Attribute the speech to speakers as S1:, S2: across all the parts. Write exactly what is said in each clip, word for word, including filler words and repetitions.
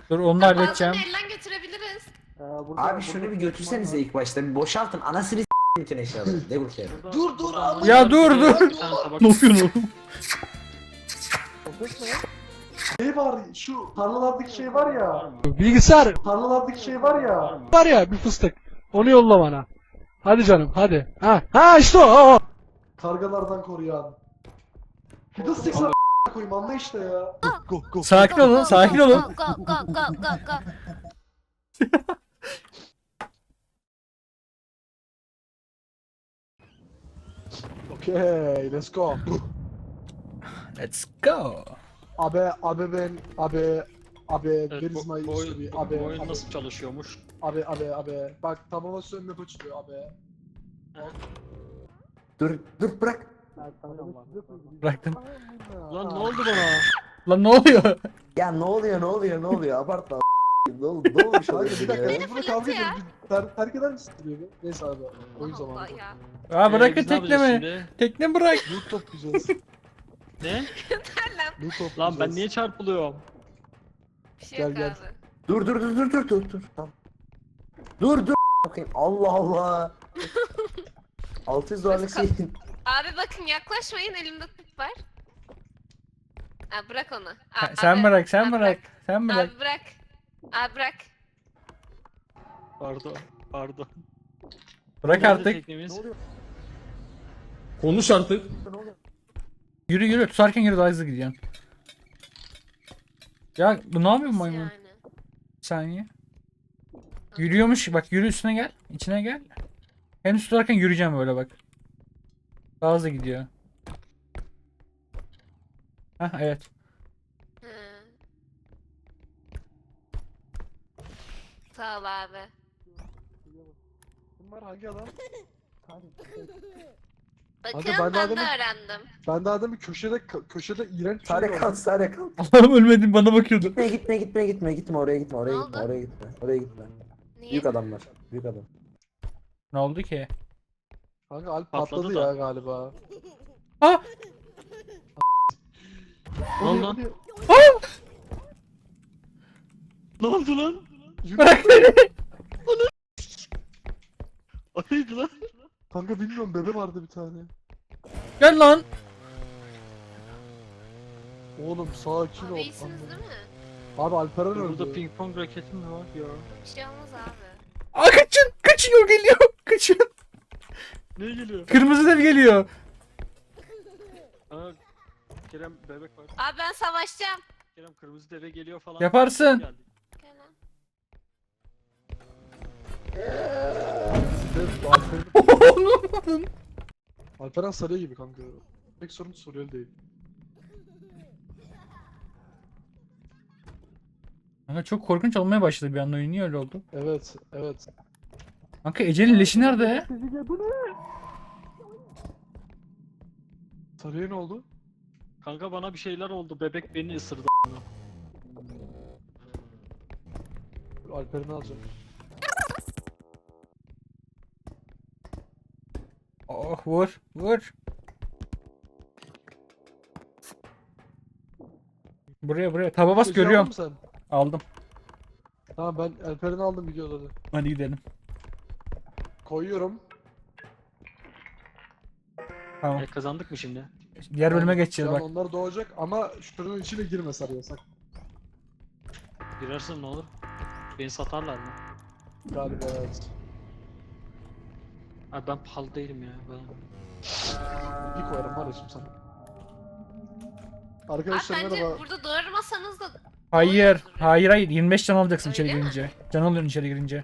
S1: Dur onu da
S2: Bazen
S1: halledeceğim.
S2: elden götürebiliriz.
S3: Abi şunu bir götürsenize ilk başta. Bir boşaltın. Anasını s*** bütün eşyaları. Devil care.
S4: Dur dur Allah.
S1: Ya dur dur. Ne yapıyorsun oğlum?
S5: Şey var, şu tarlalardaki şey var ya.
S6: Bilgisayar
S5: Tarlalardaki şey var ya.
S6: var ya bir fıstık. Onu yolla bana. Hadi canım hadi. Ha ha işte o. o.
S5: Kargalardan koruyan. Bir de seksen koyayım anla işte ya.
S6: Go go.
S1: Sakin olun, sakin olun.
S2: Go go go go go go.
S6: Okay, let's go.
S1: Let's go.
S6: Abi abi ben abi abi
S4: Evet,
S6: where is
S4: bu,
S6: my
S4: bu,
S6: history?
S4: oyun,
S6: Abi
S4: bu oyun
S6: abi,
S4: nasıl çalışıyormuş?
S6: abi abi abi bak tamamen sönme açılıyor abi.
S3: Dur dur bırak.
S1: Bıraktım.
S4: Lan ne oldu bana?
S1: Lan ne oluyor?
S3: Ya ne oluyor ne oluyor ne oluyor abartma. Ne oldu ne olmuş
S6: Kanka
S3: oluyor
S6: bir dakika
S3: ya?
S6: biz burada kavga ediyoruz. Bir ter, terk eder misin diyor bu? Neyse abi oyun
S2: Allah
S6: zamanı.
S2: ya.
S1: Aa
S4: Ee,
S1: bırakın
S4: biz ne yapacağız
S1: teknemi.
S4: şimdi?
S1: Tekne bırak.
S6: Loot toplayacağız.
S4: Ne?
S6: Loot toplayacağız.
S4: Lan ben niye çarpılıyorum?
S2: Bir şey yok
S6: Gel, gel.
S2: abi.
S3: Dur dur dur dur dur dur dur. Tamam. Dur dur. Bakayım. Allah Allah. altı yüz dolarlık şey.
S2: Abi bakın yaklaşmayın, elimde tüp var. Abi bırak onu.
S1: Sen-
S2: Abi,
S1: Sen bırak, sen
S2: abi
S1: bırak. Sen bırak.
S2: Abi bırak. Abi bırak.
S4: Pardon. Pardon.
S1: Bırak
S4: Nerede
S1: artık.
S4: teknemiz?
S7: Konuş artık.
S1: Yürü yürü. Tutarken yürü daha hızlı gidiyorsun. Ya bu ne yapıyor bu maymun?
S2: Yani.
S1: Bir saniye. Yürüyormuş. Bak yürü üstüne gel. İçine gel. Hem tutarken yürüyeceğim böyle bak. Daha hızlı gidiyor. Hah evet.
S2: Hı. Sağ ol abi.
S6: Bunlar hangi adam?
S2: Bakın
S6: ben
S2: ben,
S6: de
S2: de
S6: adamı-
S2: öğrendim.
S6: Ben daha demin köşede kö- köşede iğrenç bir şey
S3: Sare
S6: gördüm.
S3: kal sare kal.
S1: Allah'ım ölmedim bana bakıyordu.
S3: Gitme gitme gitme gitme gitme oraya gitme oraya
S2: Ne
S3: gitme
S2: oldu?
S3: oraya gitme oraya gitme.
S2: Niye?
S3: Büyük adamlar. Büyük adam.
S1: Ne oldu ki?
S6: Kanka Alp
S4: Patladı
S6: patladı,
S4: da.
S6: ya galiba.
S1: Ah!
S4: Ne oldu lan? Ne oldu lan?
S1: Bırak beni.
S4: O neydi lan?
S6: Kanka bilmiyorum bebe vardı bir tane.
S1: Gel lan.
S6: Oğlum sakin
S2: Abi
S6: ol.
S2: iyisiniz değil mi?
S6: Abi Alperen
S4: Burada
S6: öldü.
S4: ping pong raketim mi var ya?
S2: Bir şey olmaz abi.
S1: Aa kaçın. Kaçın o geliyor. Kaçın.
S4: Ne geliyor?
S1: Kırmızı dev geliyor.
S4: Aa, Kerem bebek var.
S2: Abi ben savaşacağım.
S4: Kerem kırmızı deve geliyor falan.
S1: Yaparsın.
S4: Geldi.
S2: Gel lan.
S6: Alperen, Alperen sarıyor gibi kanka. Pek sorun soruyor değil.
S1: Kanka çok korkunç olmaya başladı bir anda oyun. Niye öyle oldu?
S6: Evet, evet.
S1: Kanka Ece'nin leşi nerede?
S6: Sarıya ne oldu?
S4: Kanka bana bir şeyler oldu. Bebek beni ısırdı.
S6: Dur, Alperen'i alacağım.
S1: Oh vur. Vur. Buraya buraya. Taba bas
S6: Köşeye
S1: görüyorum.
S6: aldın mı
S1: Aldım.
S6: sen? Tamam ben Alperen'i aldım videoda da.
S1: Hadi gidelim.
S6: Koyuyorum.
S1: Tamam.
S4: E, kazandık mı şimdi?
S1: Diğer bölüme
S6: Yani
S1: geçeceğiz
S6: şu an
S1: bak.
S6: onlar doğacak ama şuranın içine girme sarıya sak.
S4: Girersin ne olur? Beni satarlar mı?
S6: Galiba evet.
S4: Abi ben pahalı değilim ya. Ben...
S6: Bir koyarım var ya şimdi sana.
S2: Abi
S6: Arkadaşlar
S2: bence
S6: merhaba.
S2: burada doğurmasanız da
S1: Hayır. Hayır hayır. yirmi beş can alacaksın içeri
S2: Öyle mi?
S1: girince. Can alıyorsun içeri girince.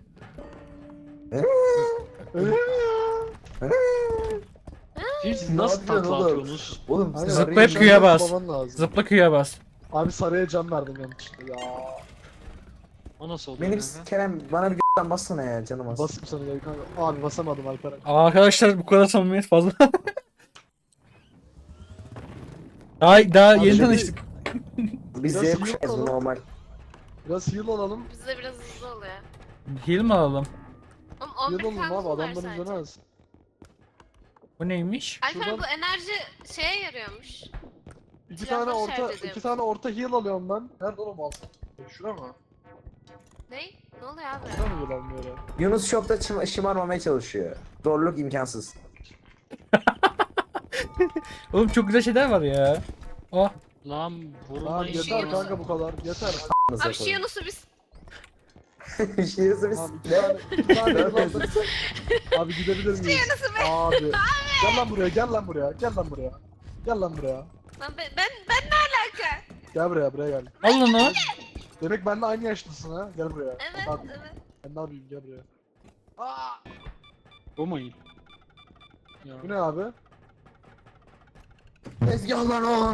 S4: Siz
S3: Ne
S4: nasıl
S3: yapıyorsun
S4: takla
S3: oğlum?
S4: atıyorsunuz?
S3: Oğlum
S6: Aynen,
S1: Zıplayıp
S6: sarıya
S1: Q'ya
S6: can
S1: bas.
S6: baban lazım.
S1: Zıpla Q'ya bas.
S6: Abi sarıya can verdim yanlışlıkla ya.
S4: O nasıl oldu?
S3: benim
S4: kanka?
S3: Kerem bana bir g***den bassana ya canım az.
S6: Basayım sana ya kanka. Abi basamadım Alperen.
S1: Aa, arkadaşlar bu kadar samimiyet fazla. daha daha
S6: Abi
S1: yeni
S6: şimdi-
S1: tanıştık.
S3: Biz
S6: Biraz
S3: Z
S6: iyi
S3: kuşağız bu
S6: yapalım.
S3: normal.
S6: Biraz heal alalım.
S2: bizde biraz hızlı oluyor.
S1: Heal mi alalım?
S2: Oğlum
S6: Heal
S2: on bir
S6: alalım
S2: kanımız
S6: abi
S2: var
S6: adamların
S2: sadece.
S6: canı az.
S1: Bu neymiş?
S2: Alper
S6: Şuradan-
S2: bu enerji şeye yarıyormuş.
S6: İki
S2: Silahlar
S6: tane orta,
S2: şarj
S6: iki
S2: ediyormuş.
S6: tane orta heal alıyorum ben. Nerede oğlum alsam? Şura mı?
S2: Ne? Ne oluyor abi?
S6: Neden mi dolanmıyor ya?
S3: Yunus şokta şım- şımarmamaya çalışıyor. Zorluk imkansız.
S1: Oğlum çok güzel şeyler var ya. Oh.
S4: Lan
S6: Lan
S4: vurmayın.
S6: yeter kanka bu kadar. Yeter.
S2: Abi şu Yunus'u biz...
S3: Şiirisi biz.
S6: Tamam iki tane. iki tane yılan. Abi gidebilir miyiz?
S2: Yunus'u be.
S6: Abi. Gel lan buraya gel lan buraya. Gel lan buraya. Gel lan buraya.
S2: Lan ben, ben, ben ne alaka?
S6: Gel buraya buraya gel.
S1: Al onu.
S6: Demek benimle aynı yaşlısın ha. Gel buraya.
S2: Evet,
S6: Bak
S2: evet.
S6: ben ne yapayım gel buraya.
S4: Bu mu? Ya.
S6: Bu ne abi?
S3: Tezgah lan o.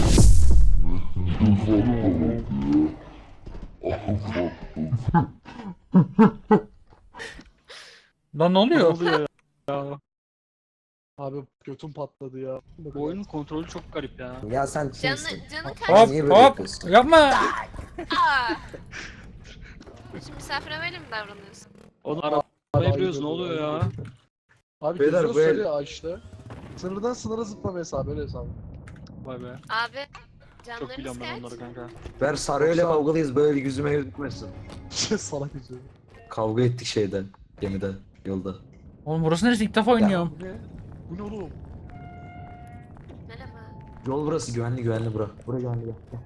S1: Lan ne
S4: Ne
S1: oluyor?
S4: oluyor ya?
S6: Abi götüm patladı ya.
S4: Bu oyunun kontrolü çok garip ya.
S3: Ya sen
S2: Canı,
S3: kimsin?
S2: canı kaç?
S1: Hop
S3: Niye böyle
S1: hop.
S3: yapıyorsun?
S1: Yapma.
S2: Aa! Şimdi misafire böyle mi davranıyorsun?
S4: Onu
S6: Abi,
S4: araba yapıyoruz
S6: ayıp
S4: ne oluyor
S6: ediyor,
S4: ya?
S6: ayıp ediyor. Abi
S3: Beyler,
S6: geziyoruz
S3: bu el-
S6: şöyle ya işte. Sınırdan sınıra zıplama hesabı öyle hesabı.
S4: Vay be.
S2: Abi,
S4: Çok
S2: canlarınız
S4: biliyorum ben
S2: kaç?
S4: onları kanka.
S3: Ver Sarı'yla
S6: Yoksa-
S3: kavgalıyız böyle yüzüme gözükmesin.
S6: Salak yüzü.
S3: Kavga ettik şeyden. Gemide. Yolda.
S1: Oğlum burası neresi? İlk defa oynuyorum.
S6: Bu ne? Bu ne oğlum?
S2: Merhaba.
S3: Yol burası güvenli güvenli bura. Bura güvenli gel. gel.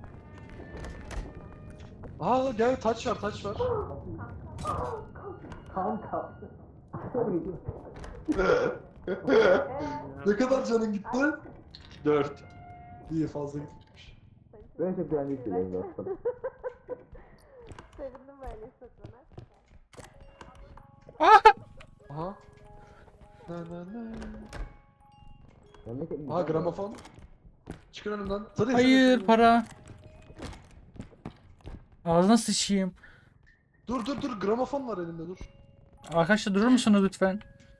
S6: Aa gel taç var taç var. Ne kadar canın gitti?
S4: Dört.
S6: İyi fazla gitmiş.
S3: Ben çok güvenli hissediyorum dostum.
S2: Sevindim böyle hissetmene.
S6: Aha. Na na na.
S3: Memleket
S6: Aha gramofon. Çıkın önümden. Tadı
S1: Hayır para. Ağzına sıçayım.
S6: Dur dur dur gramofon var elimde dur.
S1: Arkadaşlar durur musunuz lütfen?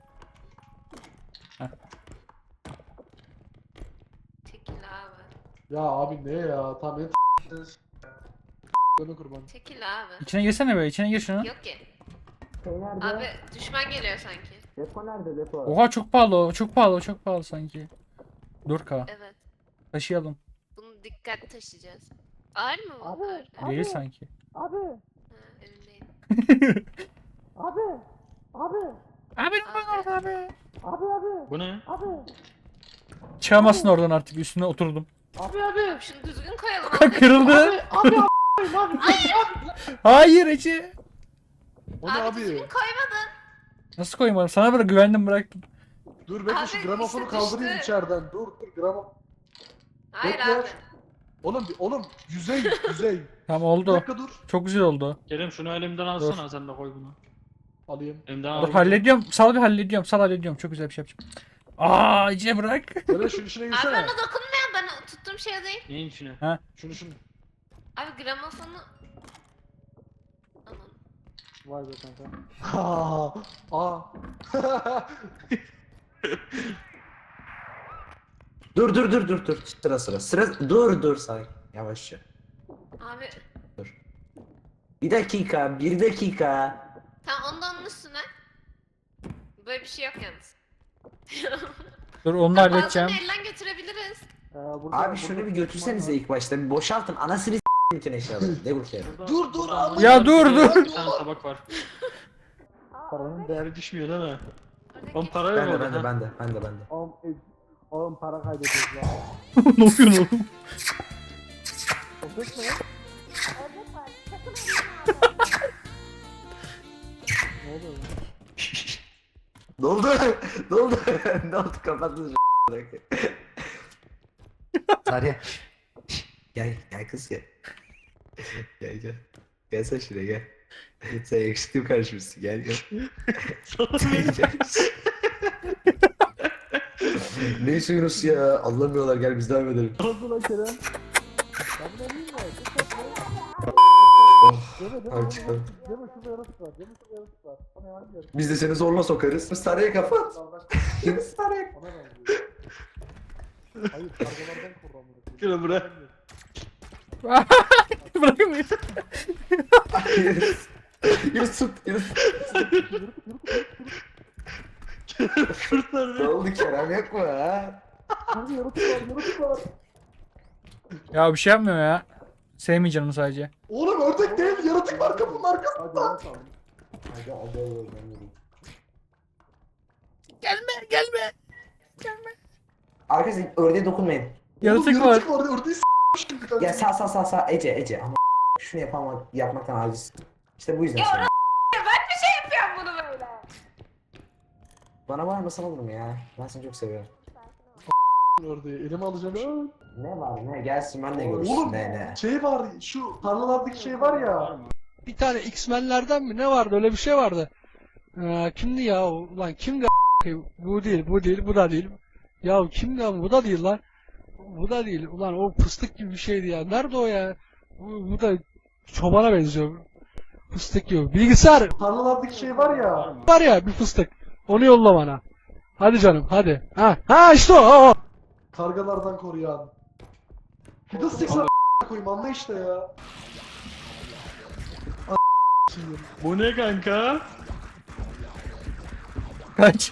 S2: Çekil abi.
S6: Ya abi ne ya? Tamam beni t***diniz. Deme kurban.
S2: Çekil abi.
S1: İçine girsene be, içine gir şunu.
S2: Yok ki.
S3: Şey nerede?
S2: Abi düşman geliyor sanki.
S3: Depo nerede depo?
S1: Oha çok pahalı o, çok pahalı o, çok pahalı sanki. dört K.
S2: Evet.
S1: Taşıyalım.
S2: Bunu dikkat taşıyacağız. Ağır mı bu? Ağır. Ha,
S1: Değil sanki.
S2: elimdeyim.
S1: Abi ne var abi?
S4: Bu ne?
S1: Çıkamazsın oradan artık, üstüne oturdum.
S2: Abi şunu düzgün koyalım abi.
S1: Kırıldı. Hayır Ece.
S6: O ne
S2: Abi,
S6: abi?
S2: düzgün koymadın.
S1: Nasıl koymadım? Sana böyle güvendim, bıraktım.
S6: Dur bekle şu
S2: Abi,
S6: gramofonu
S2: işte
S6: kaldırayım
S2: düştü.
S6: içeriden. Dur dur gramofon.
S2: Hayır
S6: Bekle.
S2: abi.
S6: Oğlum oğlum yüzey yüzey.
S1: Tamam
S6: Bir
S1: oldu.
S6: dakika dur.
S1: Çok güzel oldu.
S4: Kerem şunu elimden alsana sen de koy bunu.
S6: Alayım.
S4: Elimden
S1: Dur
S4: al.
S1: hallediyorum. Sal bir hallediyorum. Sal hallediyorum. Çok güzel bir şey yapacağım. Aa Ece bırak.
S6: Böyle şunun içine
S2: Abi
S6: girsene.
S2: ona dokunmayan bana tuttuğum şey değil.
S4: Neyin içine?
S6: Şunu şunu.
S2: Abi gramofonu... Anam.
S6: Vay be kanka. Aa. Aa.
S3: Dur dur dur dur dur. Sıra sıra. Sıra dur dur say. Yavaşça.
S2: Abi
S3: Bir dakika, bir dakika.
S2: tam ondan onun üstüne. Böyle bir şey yok yalnız.
S1: Dur onu da
S2: Bazılarını
S1: halledeceğim.
S2: elden götürebiliriz.
S6: Ee, burada-
S3: Abi
S6: burada
S3: şunu bir
S6: tutmak
S3: götürsenize
S6: var.
S3: ilk başta. Bir boşaltın. Anasını s**tin bütün eşyaları. Ne bu kere?
S4: Burada-
S6: Dur, dur,
S4: burada
S6: abi.
S1: Ya dur, dur.
S4: Bir tane tabak var. Paranın değeri düşmüyor değil mi?
S2: Oradaki-
S4: Oğlum para yok
S3: Ben de
S4: orada.
S3: ben de
S4: ha.
S3: ben de ben de ben de.
S6: Oğlum, e, oğlum para kaybediyoruz ya.
S1: Ne yapıyorsun oğlum?
S6: O ses ne ya? Ne oluyor ya?
S3: Ne oldu? Ne oldu? Ne oldu? Kapattınız Sarıya. Gel, gel kız gel. Gel gel. Gel sen şuraya gel. Sen yakışıklı bir karışmışsın. Gel gel. Gel. Ne istiyorsunuz ya? Anlamıyorlar. Gel biz devam edelim.
S6: Ne oldu lan Kerem? Ben bunu alayım mı?
S3: Oh.
S6: Deme deme
S3: Hadi
S6: deme.
S3: çıkalım.
S6: Deme şurada yaratık var. Deme şurada yaratık var. Bana yalan gel.
S3: Biz de seni zorla sokarız. Sarıya kapat. Sarıya.
S6: Ona benziyor. Hayır kargalardan kurramıyor.
S4: Kerem bırak.
S1: Bırakın beni.
S3: Yunus. Yunus tut. Yunus.
S4: Kurtar
S3: Ne
S4: beni.
S3: oldu Kerem yok mu ha?
S6: Kanka yaratık var yaratık var.
S1: Ya bir şey yapmıyor ya. Sevmeyeceğim onu sadece.
S5: Oğlum ördek değil, yaratık var kapının
S6: Hadi
S5: arkasında.
S6: lan tamam.
S3: Hadi hadi hadi ben geleyim.
S1: Gelme gelme.
S3: Arkadaşlar ördeğe dokunmayın.
S1: Yaratık
S5: Oğlum,
S1: var.
S5: yaratık var. Ördeği s**miş gibi kanka.
S3: Ya sağ sağ sağ sağ Ece Ece ama şunu yapama, yapmaktan aciz. İşte bu yüzden
S2: Ya
S3: sonra.
S2: Ben bir şey yapıyorum bunu böyle.
S3: Bana bağırmasan olur mu ya? Ben seni çok seviyorum.
S6: Ördeği elime alacağım.
S3: Ne var ne gelsin ben de görürsün
S5: Oğlum
S3: ne ne.
S5: şey var, şu tarlalardaki şey var ya.
S7: Bir tane X-Men'lerden mi ne vardı öyle bir şey vardı. Ee, kimdi ya o? Ulan kimdi a**ayım? Bu değil bu değil bu da değil. Ya kimdi ama bu da değil lan. Bu da değil. Ulan o fıstık gibi bir şeydi ya. Nerede o ya? Bu, bu da çobana benziyor. Fıstık gibi. Bilgisayar
S5: Tarlalardaki şey var ya.
S7: var ya bir fıstık. Onu yolla bana. Hadi canım hadi. Ha ha işte o. o, o.
S5: Kargalardan koruyan. Fiddlesticks'e koyayım anla işte ya.
S4: Bu ne kanka?
S1: Kaç.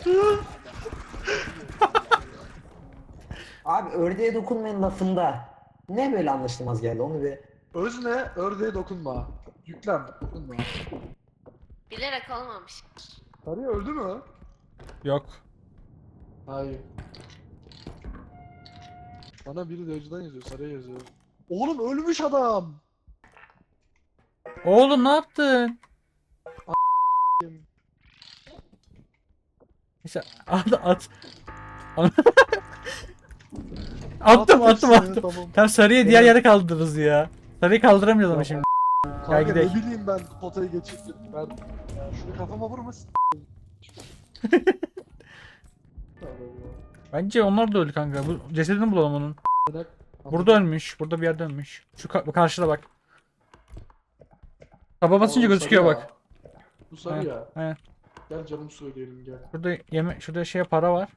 S3: Abi ördeğe dokunmayın lafında. Ne böyle anlaşılmaz geldi onu bir.
S5: Özne ördeğe dokunma. Yüklem dokunma.
S2: Bilerek olmamış.
S5: Sarıya öldü mü?
S1: Yok.
S5: Hayır. Bana biri de önceden yazıyor, sarıya yazıyor. Oğlum ölmüş adam.
S1: Oğlum ne yaptın? Neyse at at. attım attım
S5: hepsini,
S1: attım.
S5: Tamam.
S1: Tam sarıya diğer yere kaldırırız ya. Sarıyı kaldıramayacağız ama şimdi.
S5: Kanka ne
S1: gidelim.
S5: bileyim ben potayı geçirdim. Ben ya şunu kafama vurmasın.
S1: Bence onlar da öldü kanka. Bu cesedini bulalım onun. Burada ölmüş. Burada bir yerde ölmüş. Şu ka- karşıda bak. Taba basınca gözüküyor bak.
S5: Bu sarı ya.
S1: He.
S5: Gel canım söyleyelim gel.
S1: Şurada yeme şurada şey para var.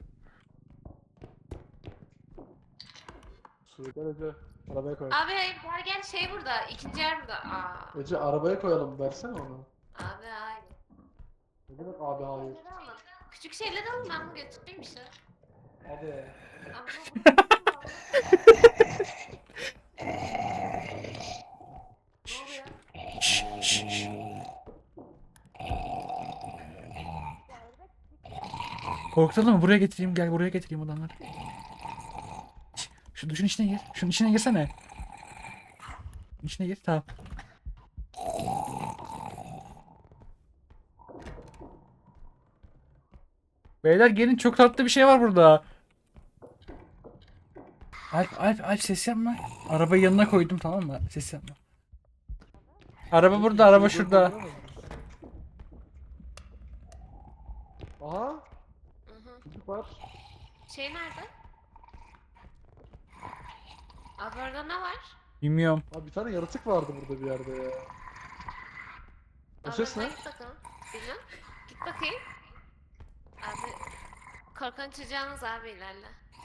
S5: Söyle gel Ece. Arabaya koy.
S2: Abi hayır gel gel şey burada. İkinci yer burada. Aa.
S5: Ece arabaya koyalım versene onu.
S2: Abi hayır.
S5: Ne demek abi hayır.
S2: Şeyleri alın. Küçük şeyler alın ben bunu götüreyim işte.
S5: Hadi.
S2: Abi bu- Ne oluyor?
S1: Korkutalım mı? Buraya getireyim. Gel buraya getireyim adamları. Şş, Şu duşun içine gir. Şunun içine girsene. Şunun içine gir. Tamam. Beyler gelin çok tatlı bir şey var burada. Alp Alp Alp ses yapma. Arabayı yanına koydum tamam mı? Ses yapma. Araba burada, araba şurada.
S5: Aha.
S2: Hı hı.
S5: Çocuk var.
S2: Şey nerede? Abi orada ne var?
S1: Bilmiyorum.
S5: Abi bir tane yaratık vardı burada bir yerde ya. O
S2: Abi
S5: ses
S2: orada
S5: ne?
S2: Git bakalım. Bilmem. Git bakayım. Abi korkan çocuğunuz abi ilerle.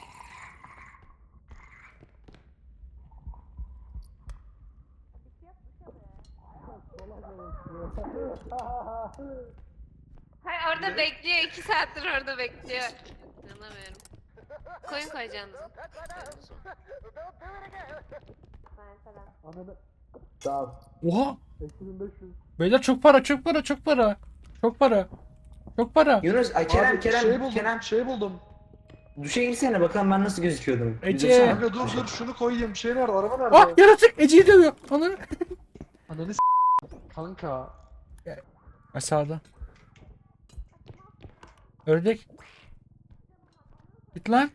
S2: Hayır orada bekliyor. iki saattir orada bekliyor. İnanamıyorum. Koyun koyacağınızı.
S5: Ananı.
S3: Sağ ol.
S1: Oha!
S5: eksi bin beş yüz.
S1: Beyler çok para, çok para, çok para. Çok para. Çok para.
S3: Yunus ay Kerem
S5: Abi,
S3: Kerem
S5: şey buldum,
S3: Kerem
S5: şey buldum.
S3: duşa girsene bakalım ben nasıl gözüküyordum.
S1: Ece.
S3: Güzel.
S5: Kanka dur dur şunu koyayım. Şey nerede? Araba nerede?
S1: Ah yaratık Ece'yi dövüyor. Ananı.
S5: Ananı s***. Kanka.
S1: Aşağıda. Ördek. Git lan.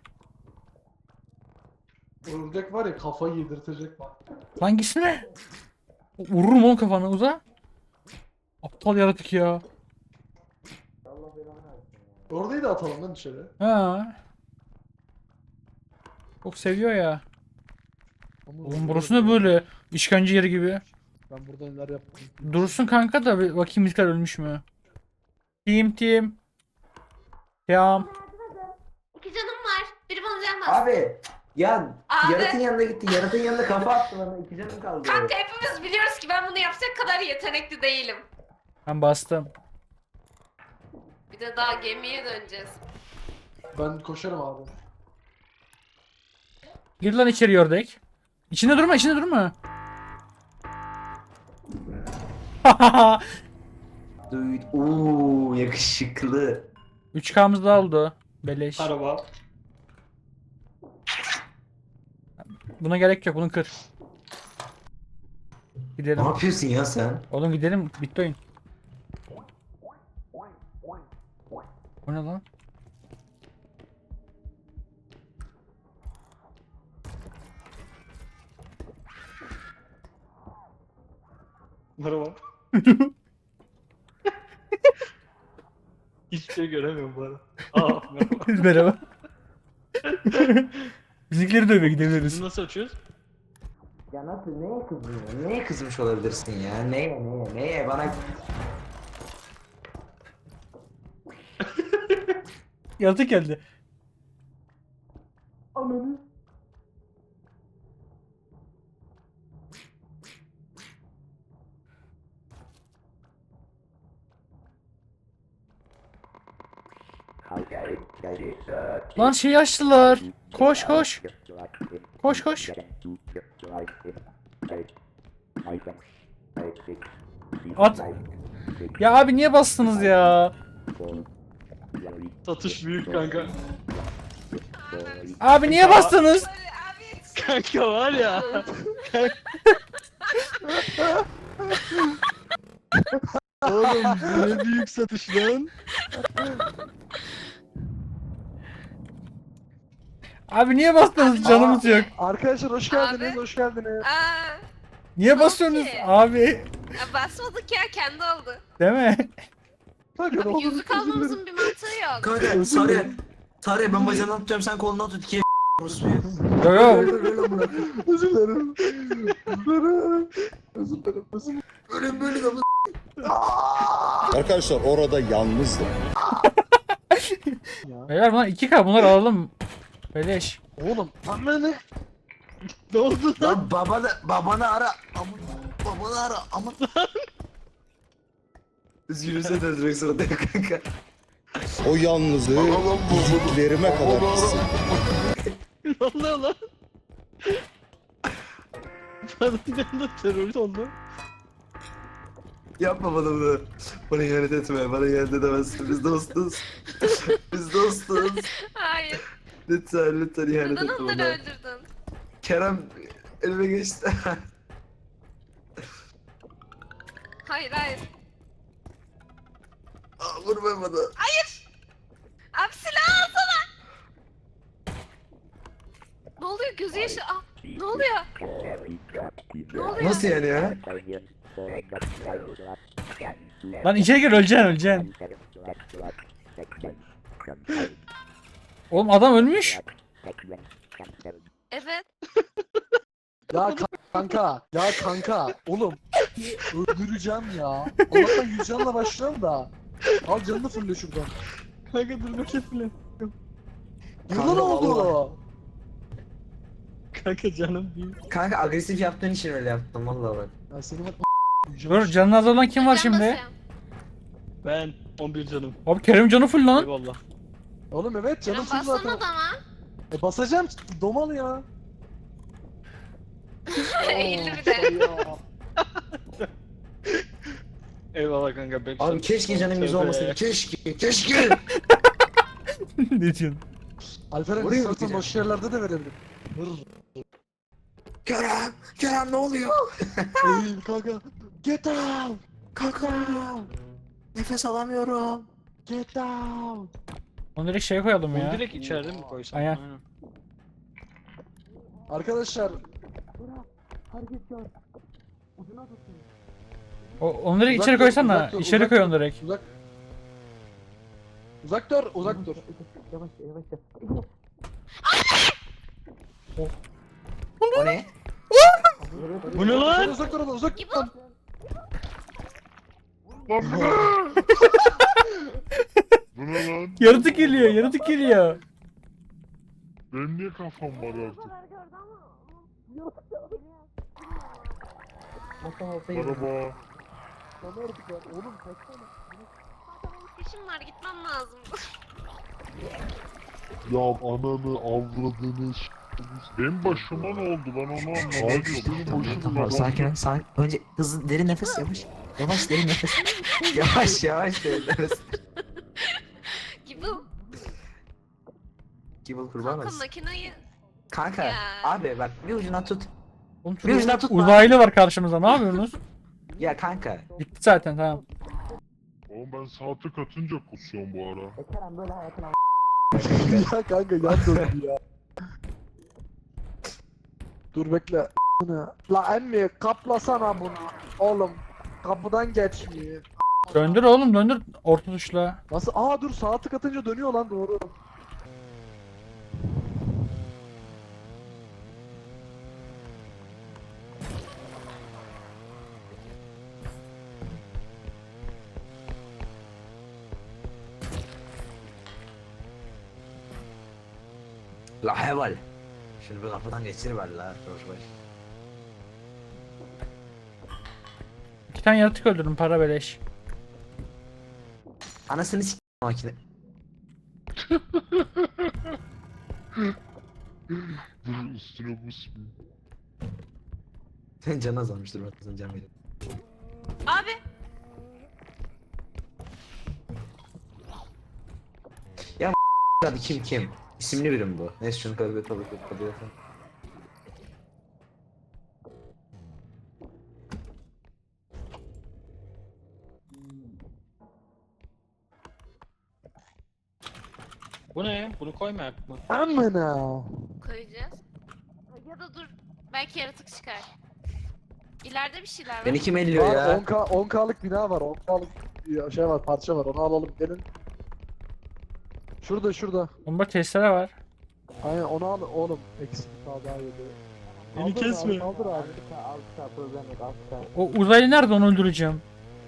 S5: Ördek var ya kafayı yedirtecek bak.
S1: Lan gitsene. Vururum oğlum kafana uza. Aptal yaratık ya.
S5: Ördeği de atalım lan dışarı.
S1: Ha. Çok seviyor ya.
S5: Ama
S1: Oğlum burası ne böyle? İşkence yeri gibi.
S5: Ben burada neler yaptım.
S1: Dursun kanka da bir bakayım bizler ölmüş mü? Team team. Team.
S2: İki canım var. Biri bana can bastı.
S3: Abi ya
S2: Abi.
S3: yaratın yanına gitti. Yaratın yanına kafa attı bana. İki canım kaldı.
S2: Kanka hepimiz biliyoruz ki ben bunu yapacak kadar yetenekli değilim.
S1: Ben bastım.
S2: Bir de daha gemiye döneceğiz.
S5: Ben koşarım abi.
S1: Gir lan içeri ördek. İçinde durma, içinde durma.
S3: Dude. Uuu yakışıklı.
S1: üç K'mız da oldu. Beleş.
S4: Araba.
S1: Buna gerek yok. Bunu kır.
S3: Ne
S1: Gidelim.
S3: yapıyorsun ya sen?
S1: Oğlum gidelim. Bitti oyun. O ne lan?
S4: Merhaba. Hiçbir şey göremiyorum bu arada. Aa merhaba.
S1: Merhaba. Bizimkileri dövmeye
S4: Biz
S1: gidebiliriz.
S4: nasıl açıyoruz?
S3: Ya nasıl neye kızdın ya? Neye kızmış olabilirsin ya? Neye neye neye bana...
S1: Yaratık geldi. Lan şeyi açtılar. Koş koş. Koş koş. At. Ya abi niye bastınız ya?
S4: Satış büyük kanka.
S1: Abi niye bastınız?
S2: Abi
S4: Kanka var ya. Oğlum bu ne büyük satış lan.
S1: Abi niye bastınız? Canımız yok.
S5: Arkadaşlar hoş geldiniz,
S2: Abi.
S5: hoş geldiniz.
S2: aa,
S1: Niye basıyorsunuz
S2: ki?
S1: abi?
S2: ya basmadık ya kendi oldu.
S1: Değil mi?
S5: Kanka, ne oldu?
S2: Yüzük almamızın bir mantığı yok.
S3: Kanka Sarı. Sarı ben bacağından tutacağım sen kolundan tut. İkiye orospuyor.
S1: Yo yo.
S5: Özür dilerim. Özür dilerim. Özür dilerim. Özür dilerim.
S3: Böyle böyle de
S8: Arkadaşlar orada yalnızdım.
S1: Beyler bunlar iki K bunları alalım. Beleş.
S5: Oğlum, anne
S4: Ne oldu lan?
S3: Lan babanı, babanı ara. Aman, babanı ara. Aman. Biz yürüse döndürmek zorundayım kanka.
S8: O yalnızlığı iliklerime kadar hissettim.
S4: Ne oluyor lan? Bana bir anda terörist oldu.
S3: Yapma bana bunu. Bana ihanet etme. Bana ihanet edemezsin. Biz dostuz. Biz dostuz.
S2: Hayır.
S3: Lütfen lütfen ihanet
S2: Neden
S3: etme
S2: onları
S3: bana.
S2: öldürdün?
S3: Kerem elime geçti.
S2: Hayır hayır.
S3: Aa, vurma bana.
S2: Abi silah alsana. Ne oluyor gözü yaşı? Aa, ne oluyor? Ne oluyor?
S3: Nasıl yani ya?
S1: Lan içeri gir öleceksin öleceksin. Oğlum adam ölmüş.
S2: Evet.
S5: ya ka- kanka, ya kanka, oğlum öldüreceğim ya. Allah'tan yüz canla başlıyorum da. Al canını fırla şuradan.
S4: Kanka dur bakayım filan.
S5: Yılan
S3: Kanka,
S5: oldu.
S4: Kanka canım büyük.
S3: Kanka agresif yaptığın için öyle yaptım vallahi bak.
S5: Ya seni bak
S1: Dur canını az olan kim var
S2: Can
S1: şimdi?
S2: basıyorum.
S4: Ben on bir canım.
S1: Abi Kerem canı full lan.
S4: Eyvallah.
S5: Oğlum evet canım
S2: Can
S5: full zaten.
S2: bassana adama.
S5: E basacağım domal ya.
S2: Eğildi bir
S5: Oo,
S2: de.
S5: ya.
S4: Eyvallah kanka. Ben
S3: Abi keşke canım yüz
S4: Tövbe.
S3: olmasaydı. Keşke. Keşke.
S1: Ne diyorsun?
S5: Alperen
S3: Buraya mı
S5: istersen
S3: gideceğim?
S5: boş yerlerde de verebilirim. Vır.
S3: Kerem. Kerem ne oluyor?
S5: Eğil kanka. Get out.
S3: Kanka. Nefes alamıyorum.
S5: Get out.
S1: Onu direkt şey koyalım
S4: Onu
S1: ya.
S4: direkt içeride mi koysam?
S1: Aynen.
S5: Arkadaşlar
S1: O, onu direkt
S5: Uzak
S1: içeri
S5: dur,
S1: koysana.
S5: uzak dur,
S1: İçeri
S5: uzak
S1: koy
S5: dur.
S1: onu direkt.
S5: uzak. Uzak dur, uzak dur.
S3: Yavaş yavaş yavaş. O ne?
S4: Bu ne lan?
S5: Uzak dur, uzak dur. Lan.
S9: Bu ne lan?
S1: Yaratık geliyor yaratık geliyor.
S9: Benim niye kafam var artık? Merhaba.
S5: Sana artık ya. Oğlum kaçsana.
S2: İşim var gitmem lazım.
S9: Ya ananı avradını s***. Benim başıma ne oldu ben onu anlamadım. Benim başım
S3: Tamam
S9: neden-
S3: sakin ol sakin. Önce hızlı derin nefes yavaş. Yavaş derin nefes. Yavaş yavaş derin nefes.
S2: Gibi.
S3: Gibble kurban
S2: Kanka
S3: olsun.
S2: makineyi.
S3: Kanka
S2: Ya.
S3: abi bak bir ucuna tut.
S1: Oğlum
S3: Bir ucuna
S1: şurada
S3: tutma.
S1: uzaylı var karşımızda. Ne yapıyorsunuz?
S3: Ya kanka.
S1: Gitti zaten tamam.
S9: Oğlum ben saati katınca kusuyorum bu ara.
S5: Ya kanka yan döndü ya. Dur bekle. La emmi kaplasana bunu. Oğlum kapıdan geçmiyor.
S1: Döndür oğlum döndür orta tuşla.
S5: Nasıl? Aa dur saati katınca dönüyor lan doğru.
S3: La heval. Şunu bir kapıdan geçiriver la. Boş boş.
S1: İki tane yaratık öldürdüm para beleş.
S3: Anasını s*** makine.
S9: Dur üstüne basmayayım.
S3: Sen can azalmıştır bak sen can verin.
S2: Abi.
S3: Hadi kim kim? İsimli birim bu. Neyse şunu kabul et kabul et kabul et.
S4: Bu ne? Bunu koymayak mı?
S5: Amına.
S2: Koyacağız. Ya da dur. Belki yaratık çıkar. İleride bir şeyler var.
S3: Beni kim elliyor
S5: Var
S3: ya?
S5: on K on K'lık bina var. on K'lık bir şey var, parça var. Onu alalım gelin. Şurada şurada.
S1: Bomba testere var.
S5: Aynen onu al oğlum. Eksik daha daha yedi.
S4: Beni
S5: Kaldır
S4: kesme.
S5: Abi, kaldır abi.
S1: O uzaylı nerede onu öldüreceğim.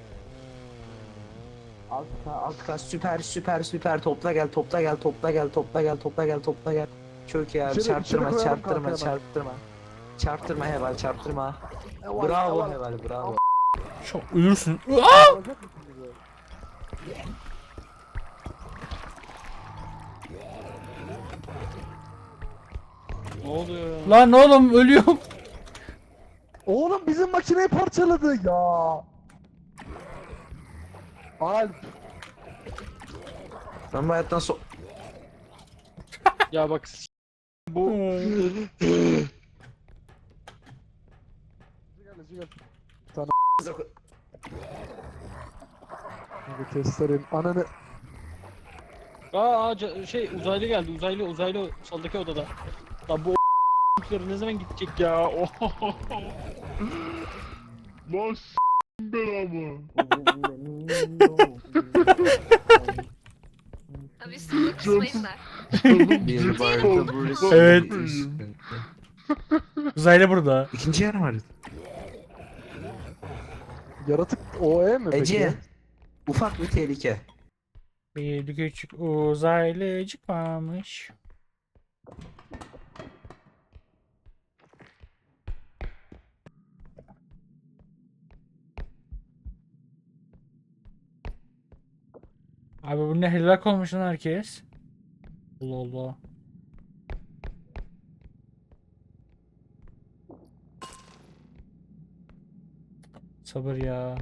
S3: Alt K alt K süper süper süper topla gel topla gel topla gel topla gel topla gel topla gel. Çok iyi abi
S5: İçeri-
S3: çarptırma
S5: içeri koyalım
S3: çarptırma
S5: kanka hemen.
S3: çarptırma. Çarptırma heval çarptırma.
S5: Eval,
S3: Bravo
S5: eval.
S3: heval bravo.
S1: Çok uyursun.
S5: Alacak mısın bizi?
S4: Ne oluyor ya?
S1: Lan oğlum ölüyorum.
S5: Oğlum bizim makineyi parçaladı ya. Alp.
S3: Ben bu hayattan so...
S4: Ya bak s- bu
S5: Gel gel. Hadi testerim. Ananı.
S4: aa ca- şey uzaylı geldi. Uzaylı uzaylı soldaki odada. Lan bu o***ları ne zaman gidecek ya? Oho.
S9: Lan s*** belamı.
S2: Abi üstünde kusmayın da.
S3: Bir barda burası.
S1: Evet. Uzaylı burada.
S3: İkinci yer var.
S5: Yaratık O E mi peki?
S3: Ece. Ufak bir tehlike.
S1: Bir küçük uzaylıcık varmış. Abi bu ne helak olmuş lan herkes. Allah Allah. Sabır ya.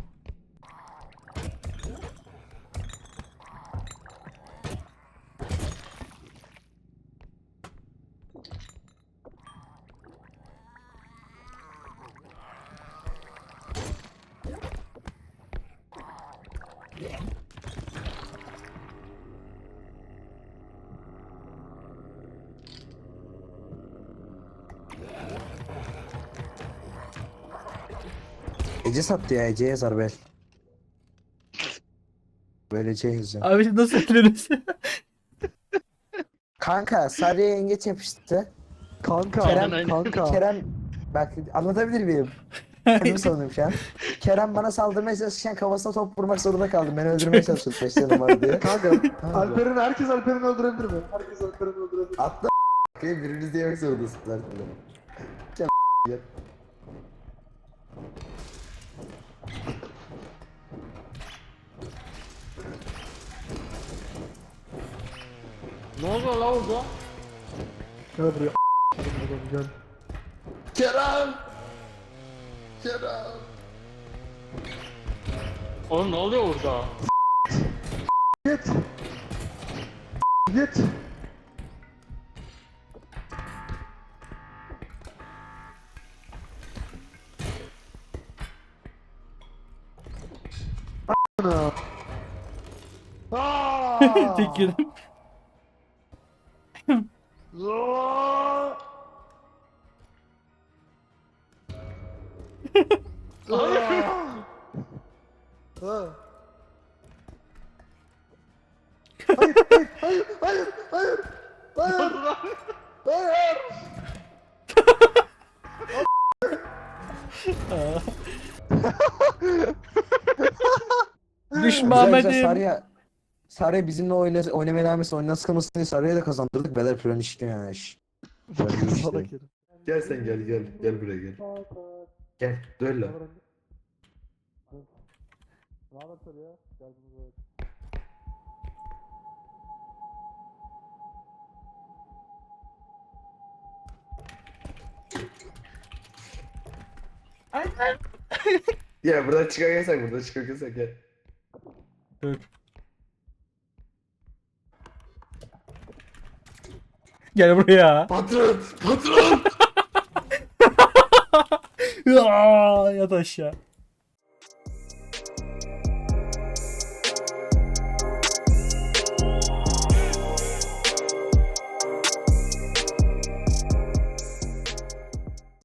S3: Ece sattı ya Ece yazar bel. Böyle Ece yazıyor.
S1: Abi nasıl öldürürüz?
S3: Kanka Sarı'ya yengeç yapıştı.
S5: Kanka,
S3: Kerem,
S4: aynen.
S5: kanka.
S3: Kerem bak anlatabilir miyim? Kendimi savunuyorum şu an. Kerem bana saldırmaya çalışırken kafasına top vurmak zorunda kaldım. Beni öldürmeye çalışıyordu beş canım var diye.
S5: Kanka, Alper'in herkes Alper'in öldürebilir mi? Herkes Alper'in öldürebilir.
S3: Atla biriniz de yemek zorundasınız artık.
S4: ne oluyor la orada?
S5: Gel buraya. Gel.
S3: Kerem! Kerem!
S4: Oğlum ne oluyor orada?
S6: Git. Git. Ana. Aa!
S1: Tek yedim.
S6: Aa! Ha. Hayır, hayır, hayır, hayır, hayır, hayır, hayır.
S1: Düşmamedim.
S3: Sarıya Sarıya bizimle oyna, oynamaya devam etsin. Oyuna sıkılmasın diye Sarıya da kazandırdık. Beyler plan işliyor yani iş.
S6: Salak herif.
S3: Gel sen gel gel. Gel buraya gel. Gel. Dön lan. Ya buradan çıkarken buradan çıkarken gel.
S1: Dur. Gel buraya.
S3: Patron! Patron!
S1: Aa, yat aşağı.